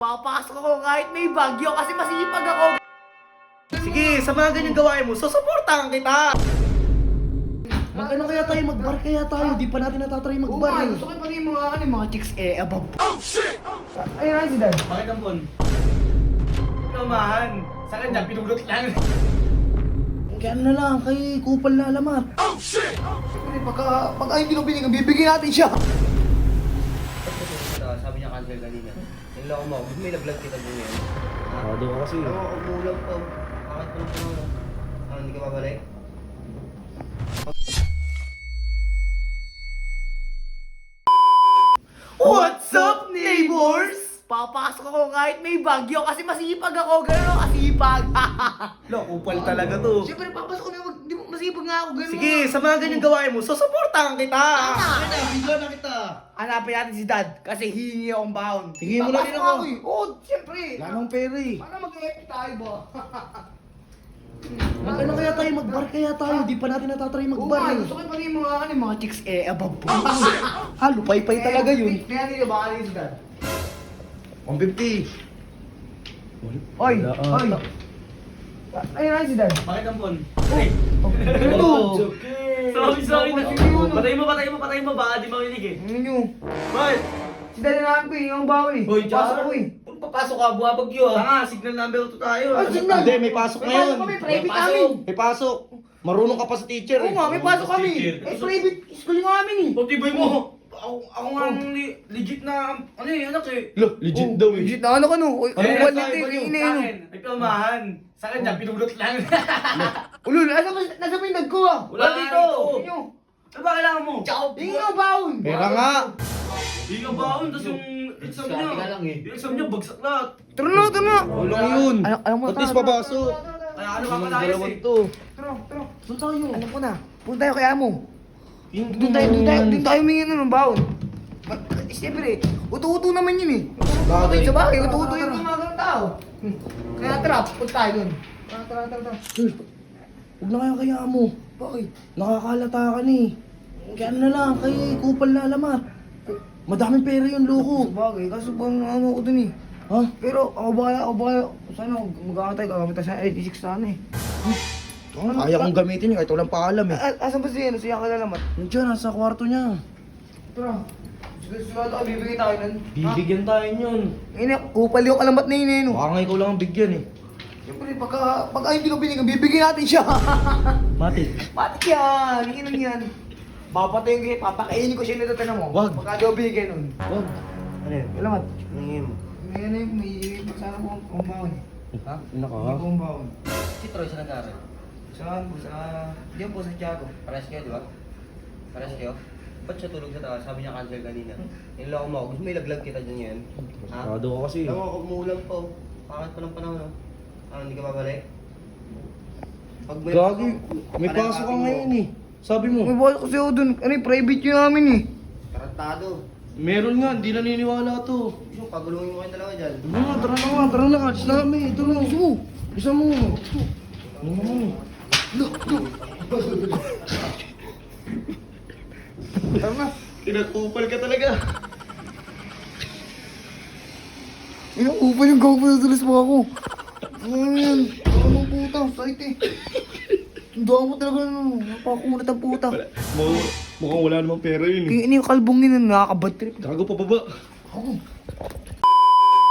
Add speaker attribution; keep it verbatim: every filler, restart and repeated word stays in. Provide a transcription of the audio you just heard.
Speaker 1: Papasok ako kahit may bagyo kasi masipag ako.
Speaker 2: Sige, sa mga ganyang gawain mo, susuportahan kita!
Speaker 3: Mag-ano kaya tayo? Mag-bar kaya tayo? Di pa natin natatry mag-bar
Speaker 1: Oo,
Speaker 3: eh.
Speaker 1: gusto ko pa rin yung mga, ano, yung mga chicks eh, above. Oh, shit! Ayun na si Dan.
Speaker 2: Bakit ang bon? Kamahan! Sana dyan, pinulot lang.
Speaker 3: Kaya ano na lang, kay kupal na alamat.
Speaker 1: Siyempre, pagka, pagka hindi ko binigyan, bibigyan natin siya.
Speaker 2: Sabi niya cancel kanina. Yung lang mo, gusto may nag-vlog kita din yan.
Speaker 3: Kado ka kasi.
Speaker 2: Oo, umulang pa. Bakit pa naman? Ano, hindi ka babalik?
Speaker 1: What's up, neighbors? Papasok ako kahit may bagyo kasi masipag ako. Ganun ako kasipag.
Speaker 2: Lo, kupal talaga to.
Speaker 1: Siyempre, papasok ko na, wag- di mo masipag nga ako. Ganun
Speaker 2: Sige,
Speaker 1: nga.
Speaker 2: sa mga ganyang gawain mo, susuportahan kita!
Speaker 1: Tama.
Speaker 3: Kaya, bigla na kita.
Speaker 1: Hanapin natin si Dad kasi hihingi akong baon.
Speaker 3: Hingin mo na
Speaker 1: Papasok
Speaker 3: rin ako.
Speaker 1: eh. Oo, siyempre.
Speaker 3: Wala nang pera eh.
Speaker 1: Paano mag-epic tayo ba?
Speaker 3: Mag-ano kaya tayo? Mag-bar kaya tayo? Di pa natin natatry
Speaker 1: Oo
Speaker 3: mag-bar
Speaker 1: nga,
Speaker 3: eh.
Speaker 1: gusto ko pa rin yung mga, ano, yung mga chicks eh, above.
Speaker 3: Ha, lupay-pay talaga yun.
Speaker 1: Kaya nila baka nila si Dad.
Speaker 3: one fifty.
Speaker 1: Oy,
Speaker 3: Wala, ah.
Speaker 1: oy. Ayun na si Dad.
Speaker 2: Bakit ang bon?
Speaker 1: Ano to?
Speaker 2: Sorry, sorry.
Speaker 1: Ano yun?
Speaker 2: Patay mo, patay mo, patay mo. Baka di marinig eh.
Speaker 1: Ano nyo?
Speaker 2: Bakit?
Speaker 1: Si Dad na namin ko eh, yung baon eh.
Speaker 2: Hoy,
Speaker 1: Pasok
Speaker 2: Jar.
Speaker 1: ko eh.
Speaker 2: Kung papasok ka, buha bagyo ah. Tanga, signal number two tayo.
Speaker 1: Ah, signal.
Speaker 3: Hindi, may pasok
Speaker 1: May
Speaker 3: ngayon.
Speaker 1: pasok kami, private
Speaker 2: May pasok.
Speaker 1: namin.
Speaker 3: May pasok. Marunong ka pa sa teacher
Speaker 1: Oo
Speaker 3: eh.
Speaker 1: nga, may pasok kami.
Speaker 2: Teacher.
Speaker 1: Eh, private school nga namin eh.
Speaker 2: Pagtibay mo. Ako, ako nga ang li- legit na, ano eh, anak eh.
Speaker 3: Lo, legit
Speaker 1: Oh,
Speaker 3: daw eh.
Speaker 1: Legit na ano ka no? Uy,
Speaker 3: Ano
Speaker 1: ano
Speaker 3: yan,
Speaker 1: ba
Speaker 3: tayo ba
Speaker 1: natin?
Speaker 3: yun?
Speaker 1: Ina
Speaker 2: Sa
Speaker 1: yun.
Speaker 2: akin, may pilmahan. Sa akin dyan, pinulot lang.
Speaker 1: Ulul, nasa ba nasa ba yung dad ko ah?
Speaker 2: Wala dito.
Speaker 1: Inyo.
Speaker 2: Ano ba kailangan mo?
Speaker 1: Ciao. Inyo baon.
Speaker 3: Pera nga.
Speaker 2: Hindi ka baon, tapos yung exam niya. Yung exam niya, bagsak lahat.
Speaker 1: Tara na, tara na.
Speaker 3: Walang yun.
Speaker 1: Alam, alam mo,
Speaker 3: At least
Speaker 1: tara, tara,
Speaker 3: papasok.
Speaker 1: tara, tara, tara.
Speaker 2: Kaya ano ka
Speaker 3: Naman
Speaker 2: malayas
Speaker 3: dalawan
Speaker 2: eh.
Speaker 3: to.
Speaker 1: Tara, tara.
Speaker 3: Saan tayo?
Speaker 1: Alam ko na. Punta tayo kay Amo.
Speaker 3: Yung
Speaker 1: Doon tayo, doon tayo, doon tayo humingi na ng baon. Ba- Siyempre, uto-uto naman yun eh. Uto-uto
Speaker 3: Bagay.
Speaker 1: naman sa bahay, uto-uto yung mga ganun tao. Hmm. Kaya tara, punta tayo doon. Tara, tara, tara, tara.
Speaker 3: Uy, huwag na kaya kaya mo.
Speaker 1: Bakit?
Speaker 3: Nakakalata ka ni. Kaya ano na lang, kay kupal na alamat. Madaming pera yun, loko.
Speaker 1: Bagay, kaso bang ano ko dun eh.
Speaker 3: Ha?
Speaker 1: Pero ako ba, ako ba, sana mag-aantay ka, gamit tayo sa eighty-six sana eh.
Speaker 3: Kaya kong gamitin yun kahit walang paalam eh.
Speaker 1: A- asan ba siya? Ano siya kalalamat?
Speaker 3: Nandiyan, nasa kwarto niya.
Speaker 1: Tara. Sigurado ka, bibigyan tayo nun.
Speaker 3: Bibigyan tayo yun.
Speaker 1: Ina, kupal yung alamat na yun eh, no?
Speaker 3: Baka nga ikaw lang ang bigyan eh.
Speaker 1: Siyempre, pagka, pagka hindi ko binigyan, bibigyan natin siya.
Speaker 3: Matik.
Speaker 1: Matik yan, iinom yan. Papatayin ko yan, papakainin ko siya nito, tinan mo.
Speaker 3: Wag.
Speaker 1: Pagka di ko binigyan nun.
Speaker 3: Wag.
Speaker 1: Ano yun? Alamat.
Speaker 3: Nangim.
Speaker 1: May ano yun, may sana ko ang kumbaon.
Speaker 3: Ha? Ina ka
Speaker 1: May
Speaker 3: ha?
Speaker 1: kumbaon.
Speaker 2: Si Troy sa nag-aaral.
Speaker 1: Saan po? Sa... Diyan po sa Tiago.
Speaker 2: Pares kayo, di ba? Pares kayo? Ba't siya tulog sa taas? Sabi niya cancel kanina. Yung lang mo, gusto may laglag kita dyan yan. Ha?
Speaker 3: Kado ka kasi.
Speaker 2: Alam mo, umuulan pa. oh. Pangat pa ng panahon. oh. Ano, hindi ka babalik? Pag
Speaker 3: Gagi, may
Speaker 2: Parang
Speaker 3: pasok ka
Speaker 2: copy mo.
Speaker 3: ngayon eh. Sabi mo.
Speaker 1: May bawas kasi ako dun. Ano yung private yun namin eh.
Speaker 2: Tarantado.
Speaker 3: Meron nga, hindi naniniwala to.
Speaker 2: Gusto, pagulungin mo kayong dalawa dyan.
Speaker 3: Ano nga, tara na nga, tara na nga. Alis na kami. Ito na. Gusto mo. Bisa mo. Ano mo?
Speaker 1: Tara na.
Speaker 3: Pinagpupal ka talaga.
Speaker 1: Ina, upal yung gago na tulis mo ako. Ano yan? Ano ng puta? Sakit eh. Tundaan mo talaga ano. Napakunat ang puta.
Speaker 3: Mukhang wala namang pera yun eh.
Speaker 1: Kaya ini yung kalbong yun, nakakabad trip.
Speaker 3: Gago pa baba.
Speaker 1: Ako.